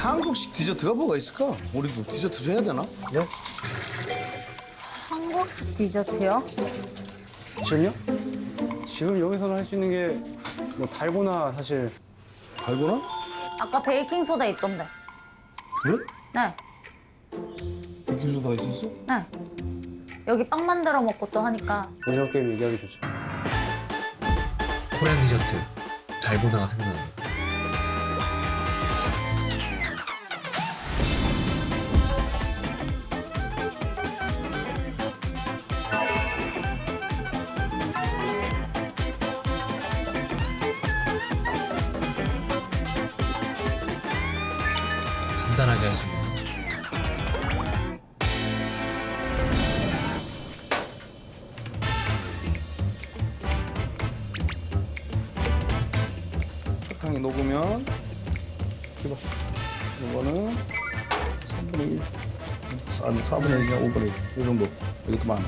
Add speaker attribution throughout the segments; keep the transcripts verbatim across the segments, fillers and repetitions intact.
Speaker 1: 한국식 디저트가 뭐가 있을까? 우리도 디저트를 해야 되나?
Speaker 2: 네?
Speaker 3: 한국식 디저트요?
Speaker 2: 지금요? 지금 여기서는 할 수 있는 게 뭐 달고나 사실.
Speaker 1: 달고나?
Speaker 3: 아까 베이킹 소다 있던데.
Speaker 1: 그래?
Speaker 3: 네,
Speaker 1: 베이킹소다가 있었어?
Speaker 3: 네. 여기 빵 만들어 먹고 또 하니까.
Speaker 2: 오징어 게임 얘기하기 좋죠.
Speaker 4: 코리안 디저트 달고나가 생각나요. 간단하게 할 수 있는.
Speaker 1: 설탕이 녹으면 이거 이거는 삼분의 일 아니 사분의 일이나 오분의 일 이 정도 이것도 많아.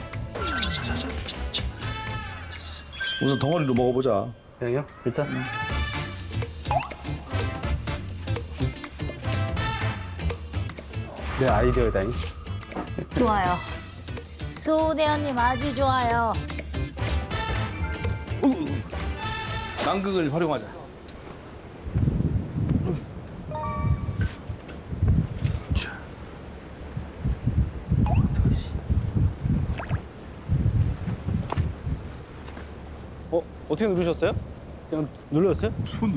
Speaker 1: 우선 덩어리로 먹어보자.
Speaker 2: 그냥요? 일단. 내 아이디어다잉.
Speaker 3: 좋아요. 수대현님 아주 좋아요.
Speaker 1: 남극을 활용하자.
Speaker 2: 어? 어떻게 누르셨어요? 그냥 눌렀어요?
Speaker 1: 손.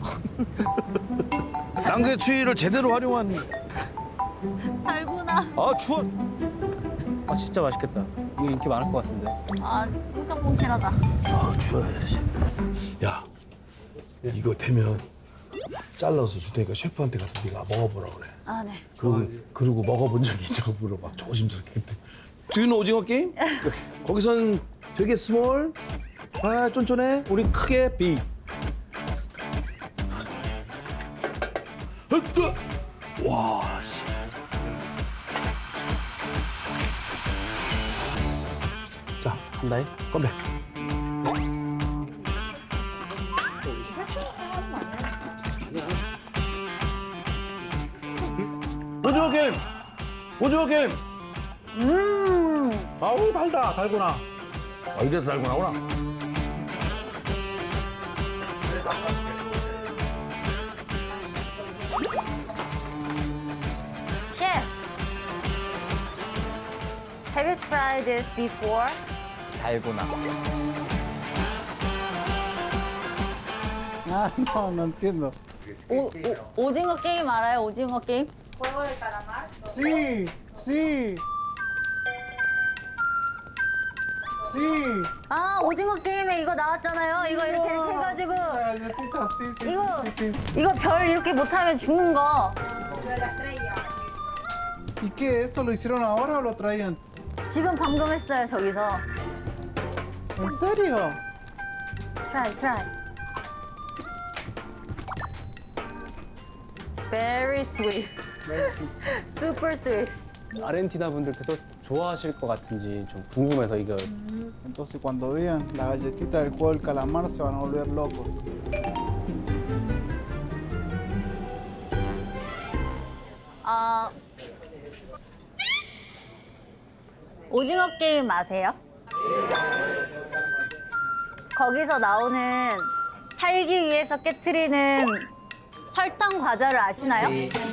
Speaker 1: 남극의 추위를 제대로 활용한.
Speaker 3: 달고나.
Speaker 2: 아 추워. 아 진짜 맛있겠다. 이거 인기 많을 것 같은데.
Speaker 3: 아, 퐁실퐁실하다.
Speaker 1: 아 추워야지. 야, 이거 되면 잘라서 줄 테니까 셰프한테 가서 네가 먹어보라 그래.
Speaker 3: 아, 네.
Speaker 1: 그리고 그리고 먹어본 적이 있냐고 물어봐. 조심스럽게. 두유는 오징어 게임? 거기선 되게 스몰, 아 쫀쫀해. 우린 크게 빅. 와 씨.
Speaker 2: 자 한다잉.
Speaker 1: 건배. 오징어 게임. 오징어 게임.
Speaker 3: 음.
Speaker 1: 아우 달다 달고나. 아 이래서 달고나구나.
Speaker 3: Chef, have you tried this before?
Speaker 5: 달고나.
Speaker 6: Ah, no, no entiendo.
Speaker 3: 오, 오, 오징어 게임 알아요? 오징어 게임?
Speaker 6: Sí, sí. Sí.
Speaker 3: 아, 오징어 게임에 이거 나왔잖아요. 이거 이렇게 이렇게 해가지고
Speaker 6: Galletita, sí, sí,
Speaker 3: 이거
Speaker 6: sí, sí.
Speaker 3: 이거 별 이렇게 못하면 죽는 거.
Speaker 6: ¿Y qué? ¿Esto lo hicieron ahora o lo traían?
Speaker 3: 지금 방금 했어요 저기서.
Speaker 6: ¿En serio?
Speaker 3: Try, try. Very sweet. Super sweet.
Speaker 2: 아르헨티나 분들께서 좋아하실 것 같은지 좀 궁금해서 이거.
Speaker 6: Entonces cuando vean la galletita del juego del calamar se van a volver locos.
Speaker 3: 아, 오징어 게임 아세요? 거기서 나오는 살기 위해서 깨트리는 설탕 과자를 아시나요?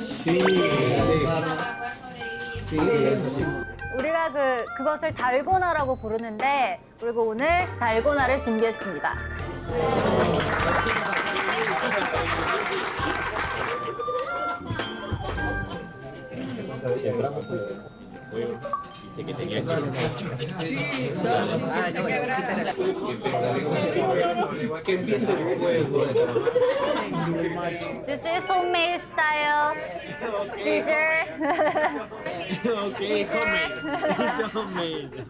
Speaker 3: 우리가 그 그것을 달고나라고 부르는데 그리고 오늘 달고나를 준비했습니다. This is homemade style. Teacher.
Speaker 5: Okay, homemade. It's homemade.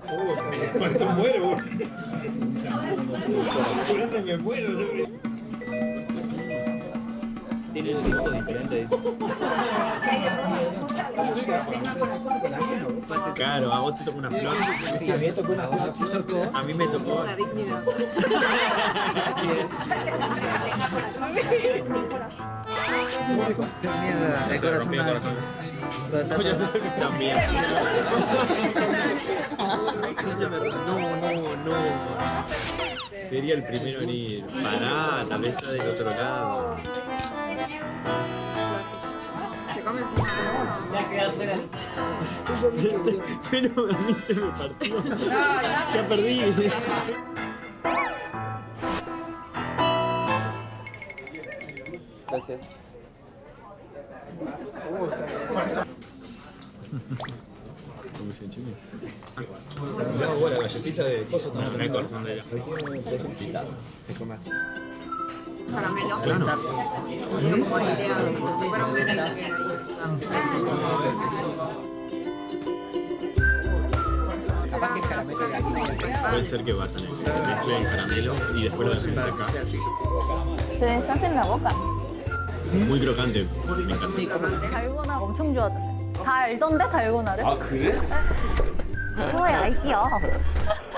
Speaker 5: Tiene un gusto diferente eso. Claro, a vos te tocó una flor.
Speaker 7: Sí, a mí me tocó una flor. ¿Te tocó?
Speaker 5: A mí me tocó.
Speaker 7: La dignidad. Yes. El corazón
Speaker 5: rompió el
Speaker 7: alto.
Speaker 5: corazón.
Speaker 7: Pero está
Speaker 5: Oye,
Speaker 7: todo-
Speaker 5: también. No, no, no. Sería el primero en ir. Pará, tal vez está del otro lado. Pero a mí se me partió. Ya perdí. ¿Cómo se chile?
Speaker 1: No, bueno, galletita de cosas
Speaker 5: No, no hay corazón de ella.
Speaker 8: Caramelo. Claro. Yo como idea, como si fuera un merengue.
Speaker 7: Capaz que es caramelo de gallina y azúcar.
Speaker 5: Puede ser que batan el mezclen el caramelo y después lo hacen seca.
Speaker 3: Se deshace en la boca.
Speaker 5: Muy crocante. Me encanta.
Speaker 3: 달고나 엄청 좋아하던데. 다 알던데 달고나를? 아 그래? 소의 아이디어.